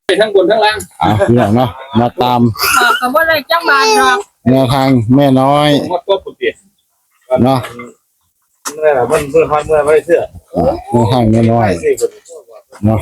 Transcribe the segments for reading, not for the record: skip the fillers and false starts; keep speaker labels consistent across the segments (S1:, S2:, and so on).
S1: ทั้งบนทั้งล่าง
S2: พี่น้องเนาะมาตาม
S3: ก็บ่ได้จังบาทหรอก
S2: แนวทางแม่น้อย
S1: หมดตัวปุติ
S2: เนาะ
S4: เมื่อมันเมื่อฮอนเมื่อไม่เชื่อ
S2: แนวทางแม่น้อยเนาะ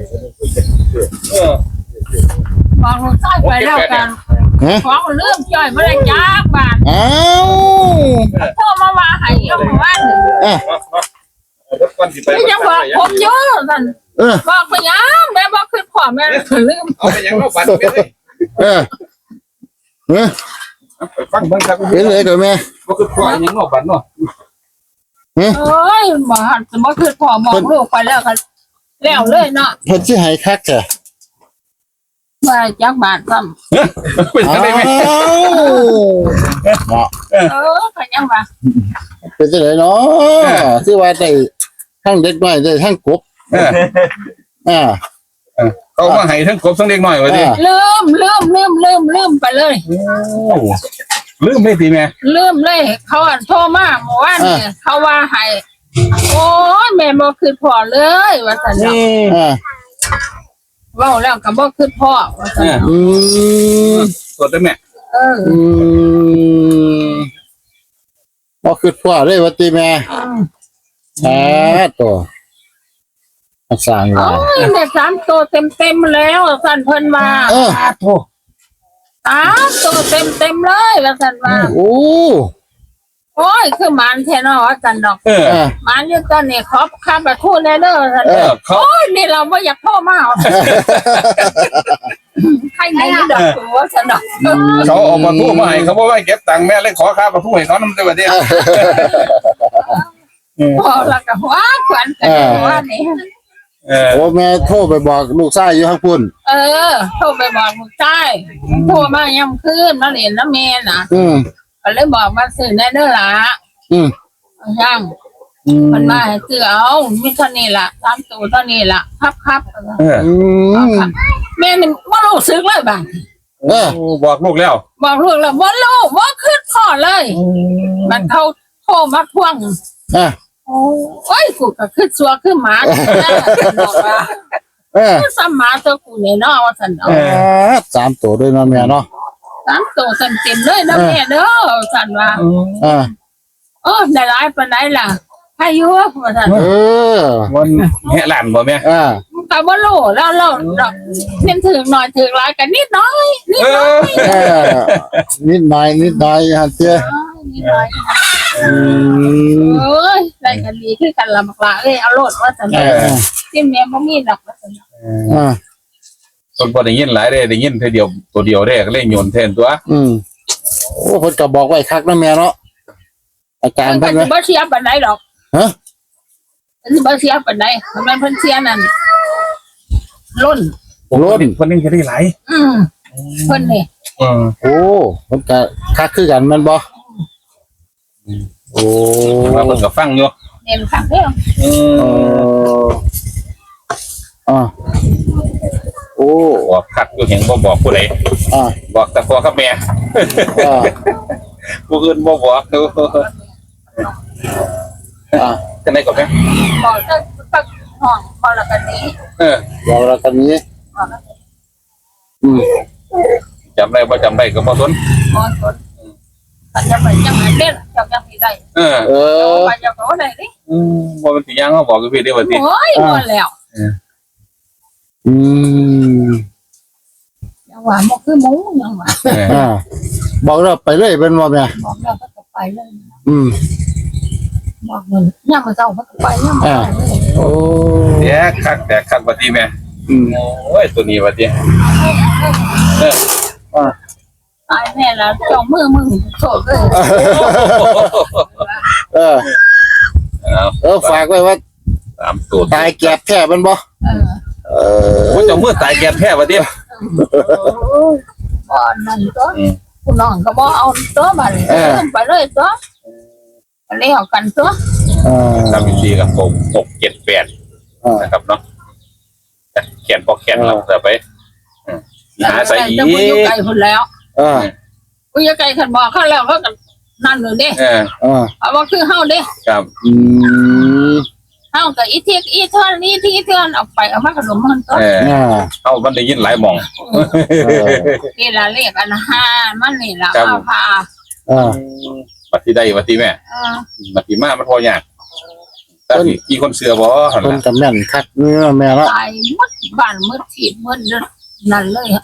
S3: บอกลูกชายไปแล้วกันของเรื่องจ่อยบ่ได้จักบาท
S2: อ้าว
S3: โทรมาว่าให้เอาว่าไม่ยังบอกผมเยอะนั่นบอกไปยังแม่บอกคือพ่อแม่ลืม
S1: เอาไปยังเราบัตรฟังเบิ่งครับ
S2: เป็นเลยกับแม่
S1: ก็คือพ่อยังเราบัตรเนาะ
S3: เอ้ยบ่หันบ่คือพ่อบอกลูกไปแล้วกันแล้วเลยเนาะ
S2: เพิ่นสิให้คักจ้ะ
S3: ว่าจักบาทซ้ำ
S1: เป็นได้ไหม
S2: เนาะ
S3: ก็ยังว่า
S2: เป็นจังได๋เนาะคือว่าได้ทั้งเด็กน้อยได้ทั้งกบ
S1: เขามาให้ทั้งกบทั้งเด็กน้อยว่าดิ
S3: ลืมไปเลย
S1: ลืมไม่ตีแม่
S3: ลืมเลยเขาโทรมาเมื่อวานนี่เขาว่าให้โอ้ยแม่บ่คือพ่อเลยว่าซั่นเนาะเว้าแล้วก็บ่คือพ่อว่าซั่น
S1: กดได้แม่
S2: บ่คือพ่อเลยว่าติแม่ตัวสร้างว่า
S3: แม่3ตัวเต็มแล้วซั่นเพิ่นว่า
S1: โธ่
S3: 3ตัวเต็มเลยว่าซั่นว่าโอ้ยคือหมานแท้เนาะว่าซั่นดอกหมานอยู่ตอนนี้ขอค่าประทูแน่เด้อซั่นโอ้ยนี่เราบ่อยากโทรมาใครไหนดอกว่าซั่นดอก
S1: เขาเอาประทูมาให้เขาบ่ไว้เก็บตังค์แม่เลยขอค่าประทูให้เขานำได้บ่ดิ
S3: พอแล้วก็ว่าขวัญกันว่านี่
S2: โอ้แม่โทรไปบอกลูกชายอยู่ข้างพุ่น
S3: โทรไปบอกลูกชายโทรมาย่ำคืนมาเรียนน้ำแม่น่ะก็เลยบอกมาซื้อแน่เด้อล่ะย่างมันมาให้ซื้อเอามีเท่านี้ล่ะ3ตัวเท่านี้ล่ะครับแม่นี่บ่รู้สึกเลยบาง
S1: บอกลูกแล้ว
S3: บอกลูกแล้วบ่รู้บ่คิดพอเลยมันเขาโทรมาทวงโอ้ยกูก็คือซัวคือหมาบอกว่าคือซ้ำหมาตัวกูเนี่ยเนาะว่าซั่นเนาะ
S2: 3ตัวด้วยเนาะแม่เนาะ
S3: 3ตัวเต็มเลยนะแม่เด้อซั่นว่าได้หลายปานใดล่ะอายุว่าซั่น
S1: มันแห่หลานบ่แม่
S3: ก็บ่รู้แล้วเพิ่นถึงหน่อยถึงหลายก็นิดน้อย
S2: นิดน้อยฮะเจ้
S3: นิดน้อยเอ้ยได้กันดีคือกันละบักละเอาโลดว่าซั่นที่แม่บ่มีดอกว่าซั่น
S1: คนบ่ได้ยินหลายเด้ได้ยินเท่าเดียวตัวเดียวได้ก็เลยโยนแทนตัว
S2: โอ้เพิ่นก็บอกไว้คักนะแม่เนาะอาการเพิ่น
S3: บ่เสียปานใดดอกบ่เสียปานใดมันเพิ่นเสียนั่นล้น
S1: เพิ่นยังจะได้หลาย
S3: เพิ่นนี่
S2: โอ้เพิ่นก็คักคือกันแม่นบ่โอ้
S1: มาเพิ่นก็ฟังอยู่
S3: เห็นคักเด้
S2: อโอ้
S1: บอกคักอยู่เห็นบ่บอกผู้ใดบอกแต่พ่อกับแม่ผู้อื่นบ่บอกดูจังได๋ก็แม่
S3: บอกแต่ห้องพอละกันนี้
S2: บอกละกันนี้
S1: จำได้บ่จำได้ก็บ่สน
S3: จะไปจังไหนเด้จังสิได้ไปจังก็ได้ดิ
S1: บ่มันสิย่างเฮาบอกกับพี่ได้ว่าสิ
S3: โอ้ยบ่แล้วยังว่าบ่คือหมูยังว่า
S2: บอกเราไปเลยเป็นบ่แม่
S3: บอกแล้วก็ไปเลยบอกมันยามมื้อเช้าก็ไปยาม
S2: โอ้
S1: แต่คักว่าติแม่โอ้ยตัวนี้ว่าติ
S3: ตายแม่แล้วจ้องมือมึงโสดเลย
S2: ฝากไว้ว่า
S1: 3ตัว
S2: ตายแก็บแท้มันบ่
S1: โอ้เจ้ามือตายแก็บแท้ว่าติ
S3: บ่นั่นตัวคุณน้องก็บ่เอาตัวบัดไปเลยตัวเลี้ยวกันตัว
S1: ทำวิธีกับผม6 7 8นะครับเนาะแขนพอแขนเราจะไปหาใส่อีก
S3: อยู่ไกลพุ่นแล้วอยู่ไกลคันบอกเขาแล้วเขาก็นั่นเลยเด้เอาว่าคือเฮาเด้
S1: ครับ
S3: เฮาก็อีเทียกอีเท่านี้ที่เท่าเอาไปเอามาขนมมันก็
S1: เอามันได้ยินหลายหม่อง
S3: นี่ล่ะเลขอัน5มันนี่ล่ะเอาพา
S1: บัดที่ได้บัดที่แม่บัดที่มามันพอยากแต่ที่คนเสือบ่หั่น
S2: เพิ่น
S1: ล่ะ
S2: ก็แม่นคักนี่แม่เนาะ
S3: ตายหมดบ้านหมดที่หมดนั่นเลย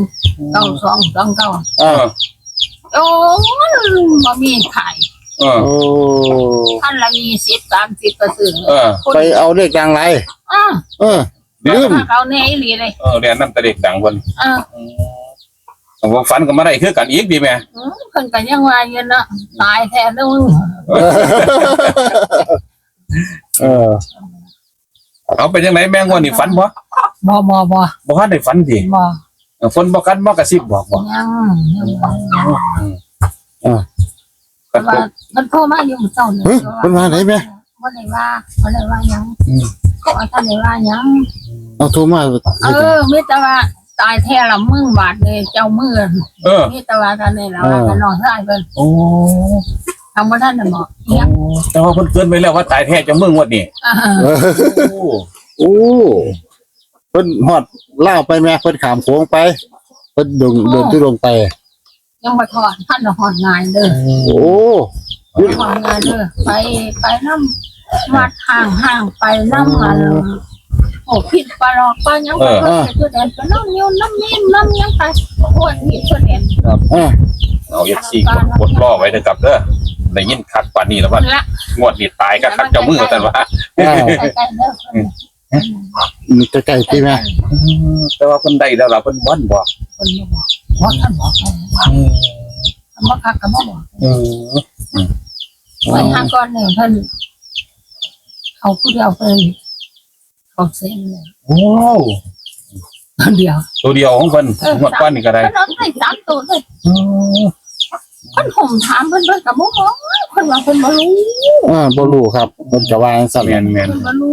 S3: 9229 โอ้บ่มีขาย
S2: โอ้
S3: ท่านละ20 30ก็ซื้อ
S2: ไปเอาเลขดังไรลืม
S3: เขาแน่อีหลีเลย
S1: เรียนนำแต่เด็กดังเพิ่นผมฝันก็มาได้คือกันอีกดีแม่
S3: เพิ่นก็ยังว่าอยู่เนาะตายแท้เด้อ
S1: เอาเป็นจังไดแม่งว่านี่ฝันบ่
S3: บ่
S1: ทันได้ฝันติ
S3: บ่
S1: ฝนบ่กันบ่กระซิบบอกบ่
S3: ยังมันโทรมาอยู่เจ้าเนี่ย
S2: เพิ่นมาไหนแม่
S3: บ่ได้ว่าหยังว่าท่านได้ว่าหยัง
S2: เอาโทรมา
S3: มีแต่ว่าตายแท้ละมึงบาดเลยเจ้ามือมีแต่ว่าท่านนี่ล่ะว่าท่านน้องชายเพิ่น
S1: โอ้
S3: ทำบ่ทันน่ะบอกเนี่ย
S1: แต่ว่าเพิ่นเกินไปแล้วว่าตายแท้จะมึงวดนี้โอ้
S2: เพิ่นฮอดล่าวไปแม่เพิ่นขามโค้งไปเพิ่นเดินที่ลงไป
S3: ยังบ่ถอดท่านหอดงานเด้อ
S2: โอ้
S3: หอดงานเด้อไปนำวัดห่างๆไปนำมันโอ้ผิดปลอกก็ยังบ่เคยตัวแดนก็น้ำนิ้วน้ำนิ่มน้ำยังไปโอ้ยนี่ตัวแดน
S1: เอาFC กดรอไว้เด้อครับเด้อได้ยินคักปานนี้แล้วว่างวดนี้ตายก็คักเจ้ามือซั่นว่า
S3: ใกล้ๆเด้อ
S2: มีใกล้ๆที่แม่
S1: แต่ว่าเพิ่นได้แล้วล่ะเพิ่นบ่นบ่
S3: คนบอกท่านบอกมาคักกับมาบอกไว้ห้าก้อนเนี่ยท่านเขาผู้เดียวเลยเขาเซ็นเลย
S1: โอ้
S3: เดียว
S1: ตัวเดียวของเพิ่นงวดก่อนนี่ก็ได้
S3: ท่านเอาได้3ตัวเลยท่านห่มถามเพิ่นกับโมโหคนว่าเพิ่นบ่รู้
S2: บ่รู้ครับเพิ่นจะว่าจังซั่น
S1: แม่น
S3: เพิ่นบ่รู้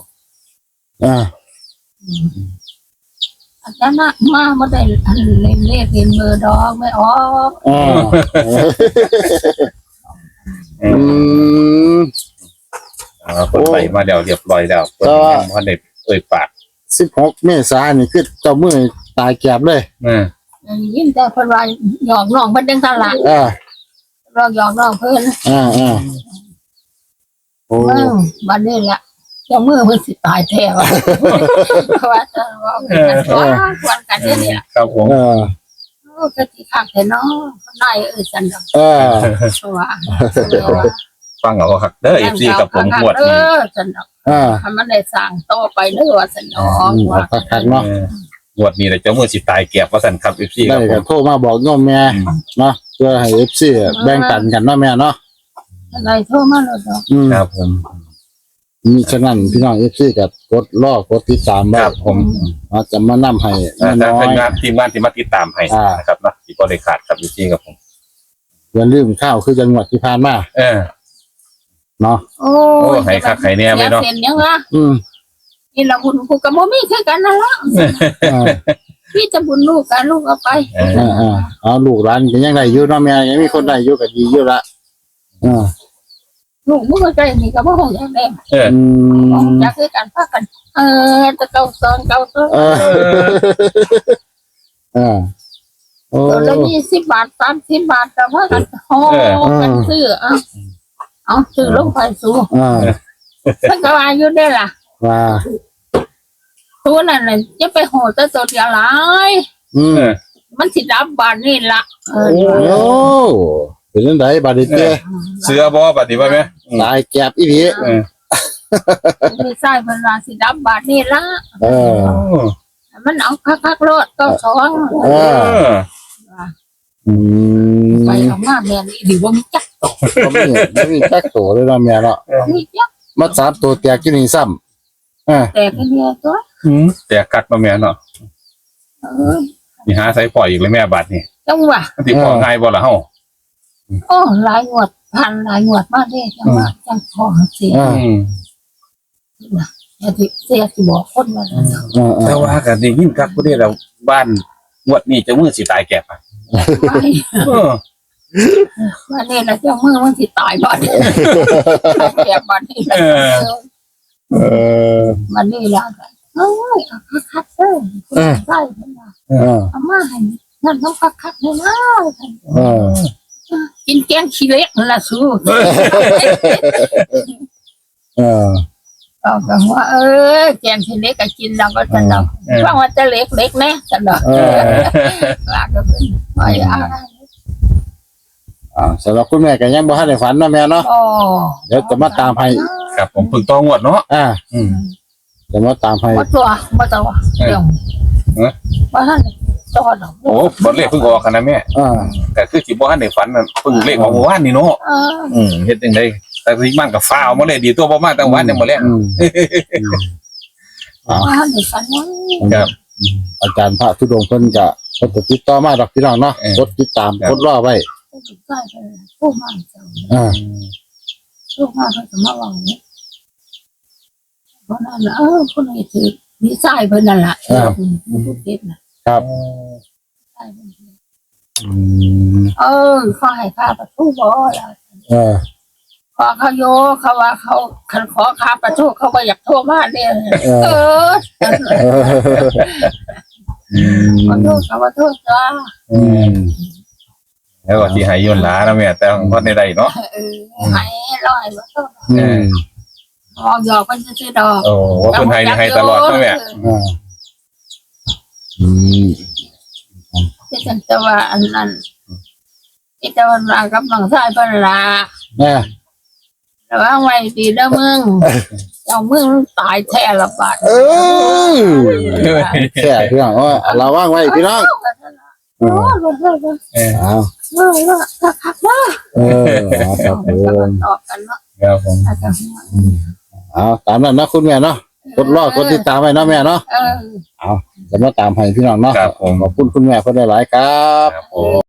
S3: อาจารย์มาบ่ได้อันเล่นเลขเล่นเบอร์ดอกไม่ออก
S1: เพิ่นไปมาแล้วเรียบร้อยแล้วเพิ่นยังบ่ได้เอ่ยปาก
S2: 16เมษายนนี่คือเจ้ามือตายแก็บเลย
S3: ยินแต่เพิ่นว่าหยอกน้องเพิ่นจังซั่นล่ะเราหยอกน้องเพิ่น
S2: โอ้
S3: บัดนี้ล่ะเจ้ามือเพิ่นสิตายแท้ว่าว่าจะว่าควรกันนี่ล่ะ
S1: ครับผม
S3: ก็สิคักแท้เนาะได้ซั่นดอกว่า
S1: ฟังเอาคักเด้อ FC กับผมงวดนี้
S3: ซั่นดอกถ้ามันได้สร้างต่อไปเด้อว่าซั่นดอกว่า
S2: คักๆเนาะ
S1: งวดนี้แหละเจ้ามือสิตายแก็บว่าซั่นครับ FC ค
S2: ได้
S1: รับผ
S2: ก็
S1: ม
S2: โทรมาบอกโยมแม่เนาะเพื่อให้ FC แบ่งปันกันเนาะแม่เนาะ
S3: อะไรโทรมาแล้วดอก
S1: ครับผม
S2: มีฉะนั้นพี่น้อง FC ก็กดรอกดติดตามไว้
S1: ครับผม
S2: เราจะมานำให้
S1: แต่
S2: น้อ
S1: เป็น
S2: ย
S1: งานทีมงานที่มาติดตามให้นะครับเนาะที่บ่ได้ขาดครับ FC ครับผม
S2: อย่าลืมข้าวคือจังหวัดที่ผ่านมาเนาะ
S3: โอ้ให้คักให้แน่ไปเนาะเส้นยังวะนี่ละบุญกูก็บ่มีคือกันนั่นล่ะพี่จะบุญลูกกันลูกเอาไป
S2: เอาลูกหลานก็ยังได้อยู่เนาะแม่ยังมีคนได้อยู่ก็ดีอยู่ละ
S3: ลูกมึงก็ใจนี่ก็บ่ฮู้จักแน่อยากคือกันพากันจะเก่าซอนโอ้แล้ว20 บาท30 บาทแต่ว่ากันโอ้กันซื้อเอาซื้อลงไปสู้มันก็ว่าอยู่ได้ล่ะ
S2: ว่า
S3: ตัวนั้นน่ะจะไปโหดแต่ตัวเดียวหลายมันสิดับบานนี่ล่ะ
S2: โอ้เป็นจังได๋บัดนี้เต้
S1: เสือบ่บัดนี้ว่าแม่
S2: ตายแก็บอีหลี
S3: ไม่ใช่เพิ่นว่าสิดับบานนี่ล่ะมันเอาคักๆโลดก็สองไปออกมาแม่นี่ดีบ่มีจัก
S2: บ่มีจักโตเลยเนาะแม่เนาะ
S3: มีจัก
S2: มา3ตัวแตกอยู่นี่ซ้ำ
S3: แต่ก็เนี่ยตัว
S1: แต่กักมาแม่เนาะนี่หาใส่ปล่อยอีกเลยแม่บัดนี่
S3: จังว่า
S1: สิพอง่ายบ่ล่ะเฮา
S3: โอ้หลายงวดพันหลายงวดมาเด้จังว่าจังพอเสียเสียสิบอกคนว่า
S1: แต่ว่าก็ได้ยินคักบ่ได้แล้วบ้านงวดนี้เจ้ามือสิตายแก็บ
S3: ว่านี่นะเจ้ามือมันสิตายบ่เนี่ยแก่บ่นี่มันนี่ละเอ้ยคักๆเด้อได้เพิ่นว่าเอามาให้นั่นต้องคักๆเลยนะกินแกงขี้เล็กนั่นล่ะสู้ก็ว่าแกงขี้เล็กก็กินแล้วก็สนุกว่าว่าจะเล็กๆแน่สนุกว่าก็เป็นว่าอะไร
S2: สำหรับคุณแม่ก็ยังบ่ทันได้ฝันเนาะแม่เนาะเดี๋ยวจะมาตามให้
S1: ครับผมพึ่งต้องงวดเนาะ
S2: จะมาตามให้
S3: บ่ตัวเดี๋ยวว่าท่านตัวดอก
S1: โอ้บอลเลขเพิ่งออกกันนะแม่แต่คือสิบ่ทันได้ฝันเพิ่งเลขออกเมื่อวานนี่เนาะเฮ็ดจังได๋แต่ที่มันก็ฟ้าวมาเลยดีตัวบ่มาแต่วันยังบ่แลง
S3: ว่าท่านได้ฝันว่า
S1: ครับ
S2: อาจารย์พระธุดงค์เพิ่นก็เพิ่นติดต่อมาดอกพี่น้องเนาะกดติดตามกดรอไว้
S3: ได้ไปผู้มาเจ้าผู้มาเพิ่นก็มาว่าเนี่ยเพราะนั้นคนนี้ถือมีสายเพิ่นนั่นล่ะผู้เก็บน่ะ
S2: ครับ
S3: เขาให้ค่าประตูบ่ล่ะขอเขาโยเขาว่าเขาคันขอค่าประตูเขาก็อยากโทรมาเนี่ยขอโทษเขาว่าโทษจ้า
S1: แล้วก็สิให้ย้อนหลานะแม่แต่ของคนใดๆเนาะ
S3: ให้ร้อยบ่ต้องหยอกมันซื่อๆดอก
S1: โอ้เพิ่นให้ตลอดนะแม่
S3: ที่ฉันจะว่าอันนั้นที่จะว่ารากับน้องชายเพิ่นล่ะระวังไว้ดีเด้อมึงเจ้ามึงตายแท้ละบาด
S2: แค่พี่น้องระวังไว้พี่น้อง
S3: คักๆว่า
S2: ครับผม
S3: ตอบกันเนาะ
S1: ครับผม
S2: ตามนั้นนะคุณแม่เนาะกดรอกดติดตามไว้เนาะแม่เนาะจะมาตามให้พี่น้องเนาะขอบคุณคุณแม่เพิ่นหลายๆครับ